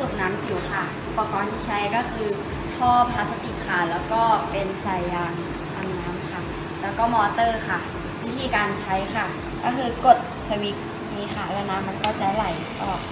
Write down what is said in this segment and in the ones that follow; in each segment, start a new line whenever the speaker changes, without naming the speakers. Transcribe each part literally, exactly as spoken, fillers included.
สูบน้ำจิ๋วค่ะอุปกรณ์ที่ใช้ก็คือท่อพลาสติกค่ะแล้วก็เป็นสายยางทำน้ำค่ะแล้วก็มอเตอร์ค่ะวิธีการใช้ค่ะก็คือกดสวิตช์นี้ค่ะแล้วน้ำมันก็จะไหลออก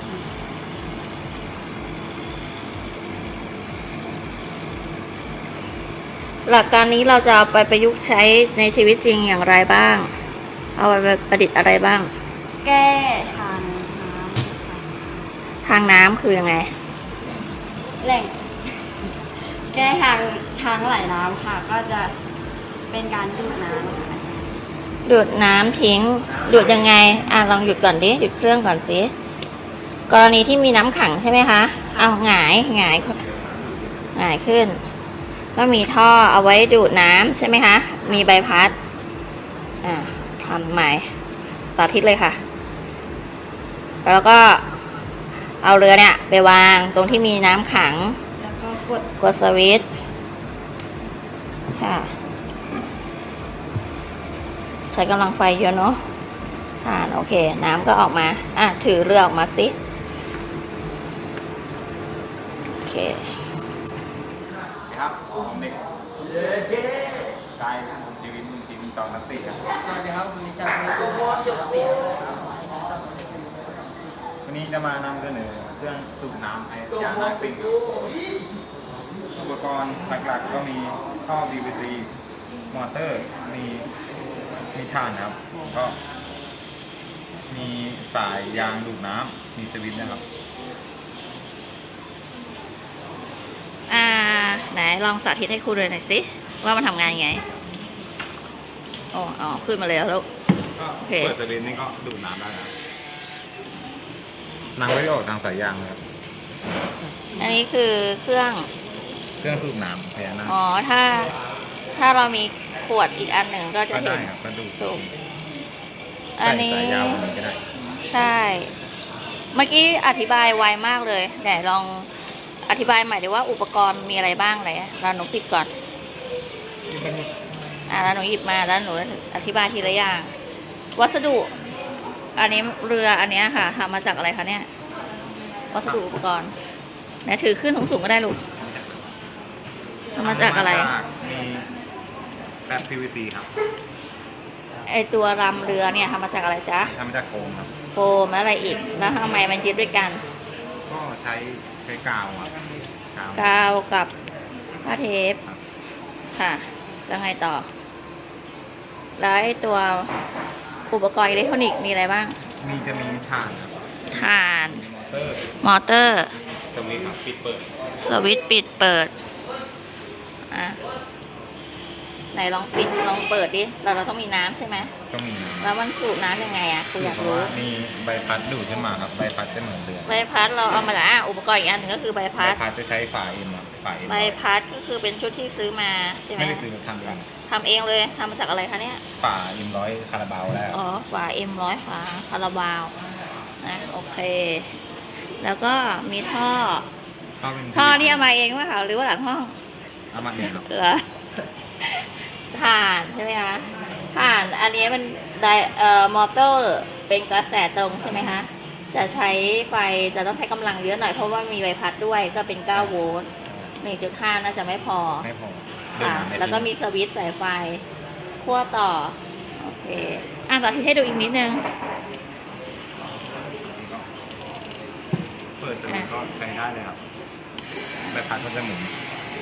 หลักการนี้เราจะเอาไปประยุกต์ใช้ในชีวิตจริงอย่างไรบ้างเอาไปประดิษฐ์อะไรบ้าง
แก้ทางน้ำ
ทางน้ำคือยังไง
แหล่งแก้ทางทางไหลน้ำค่ะก็จะเป็นการดูดน้ำ
ดูดน้ำทิ้งดูดยังไงอ่ะลองหยุดก่อนดิหยุดเครื่องก่อนสิกรณีที่มีน้ำขังใช่ไหมคะเอาหงายหงายหงายขึ้นก็มีท่อเอาไว้ดูดน้ำใช่ไหมคะมีใบพัดอ่าทำใหม่ต่อทิศเลยค่ะแล้วก็เอาเรือเนี่ยไปวางตรงที่มีน้ำขัง
แล้วก็กด
กดสวิตช์ค่ะใช้กำลังไฟเยอะเนาะอ่าโอเคน้ำก็ออกมาอ่ะถือเรือออกมาสิโอเค
ครับผมเด็กกายผมชีวิตมึงชีวิตสองนักสี่ครับ
สวัสดีครับวันนี้จะมีโปรโมทจุดเสียครับ
วันนี้จะมานำเสนอเครื่องสูบน้ำไอ้ยานาซิ่งอุปกรณ์หลักๆก็มีท่อ พี วี ซี มอเตอร์มีมีถ่านครับก็มีสายยางดูดน้ำมีสวิตช์นะครับ
อ่าไหนลองสาธิตให้ครูดูหน่อยสิว่ามันทำงานยังไงอ๋ออ๋อขึ้นมาแล้วแล้ว
ก็เปิดสวิตช์นี่ก็ดูดน้ำได้ครับน้ำไม่ออกทางสายยางครับ
อันนี้คือเครื่อง
เครื่องสูบน้ำพญานาค
อ๋อถ้าถ้าเรามีขวดอีกอันหนึ่งก็จะเห็นสูบอันนี้ใช่เมื่อกี้อธิบายไวมากเลยไหนลองอธิบายใหม่ดีว่าอุปกรณ์มีอะไรบ้างอะไรเราหนูปิดก่อนอ่าแล้วหนูหยิบมาแล้วหนูอธิบายทีละอย่างวัสดุอันนี้เรืออันนี้ค่ะทำมาจากอะไรคะเนี่ยวัสดุอุปกรณ์ไหนถือขึ้นสูงๆก็ได้ลูกทำมาจากอะไร
มีแบบ พี วี ซี ครับ
ไอตัวรำเรือเนี่ยทำมาจากอะไรจ๊ะ
ทำมาจากโฟมครับ
โฟมแล้วอะไรอีกแล้วทำไมมันยึดด้วยกัน
ก็ใช้ใช้กาวครับ
กาวกับผ้าเทปค่ะแล้วไงต่อแล้วไอตัวอุปกรณ์อิเล็กทรอนิกส์มีอะไรบ้าง
มีจะมีถ่านครับ
ถ่านมอเตอร์
สวิตช์ปิดเปิด
สวิตช์ปิดเปิดอ่ะไหนลองปิดลองเปิดดิเราเราต้องมีน้ำใช่ไหม
ต้องมี
แล้วมันสูบน้ำยังไงอ่ะคืออยากรู้
มีใบพัดดูดขึ้นมาครับใบพัดจะเหมือนเรือ
ใบพัดเราเอามาแล้วอุปกรณ์อีกอันนึงก็คือใบพัด
ใบพัดจะใช้ฝาเอ็มฝาเอ็ม
ใบพัดก็คือเป็นชุดที่ซื้อมาใช่ไหม
ไม่ได้ซื้อทำกัน
ทำเองเลยทำมาจากอะไรคะเนี่ย
ฝาเอ็มร้อยคาราบาวแล้ว
อ๋อฝาเอ็มร้อยฝาคาราบาวนะโอเคแล้วก็มีท่อท่อนี่เอามาเองว่าคะหรือว่าหลังห้อง
เอามาเองครับ
เหรอถ่านใช่ไหมคะถ่านอันนี้มันไดเอ่อมอเตอร์เป็นกระแสตรงใช่ไหมคะจะใช้ไฟจะต้องใช้กำลังเยอะหน่อยเพราะว่ามีใบพัดด้วยก็เป็นเก้าโวลต์ หนึ่งจุดห้า น่าจะไม่พอ
ไม่พอ
ค่ะแล้วก็มีสวิตช์สายไฟขั้วต่อโอเคอ่ะต่อที่ให้ดูอีกนิดนึง
เปิดสวิตช์ก็ใช้ได้เลยครับใบพัดก็จะหมุน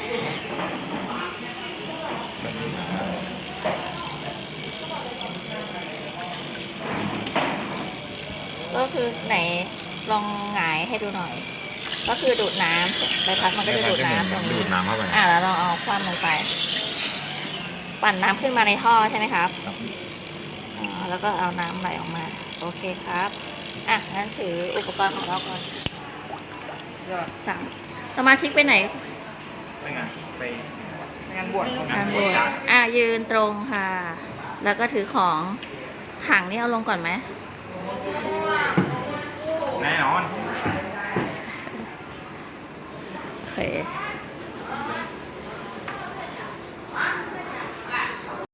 ก็คือไหนลองหงายให้ดูหน่อยก็คือดูดน้ำใบพัดมันก็จะดูดน้ำตรงนี้
ดูดน้ำเข้าไป
อ่าแล้วเราเอาคว่ำลงไปปั่นน้ำขึ้นมาในท่อใช่ไหมครับอ๋อแล้วก็เอาน้ำไหลออกมาโอเคครับอ่ะงั้นถืออุปกรณ์ของเราก่อนสั่งสมาชิกไปไหน
ไปงานไป
งานบวช
งานบวชอ่ะยืนตรงค่ะแล้วก็ถือของถังนี่เอาลงก่อนไหม
แน่นอน
โอเค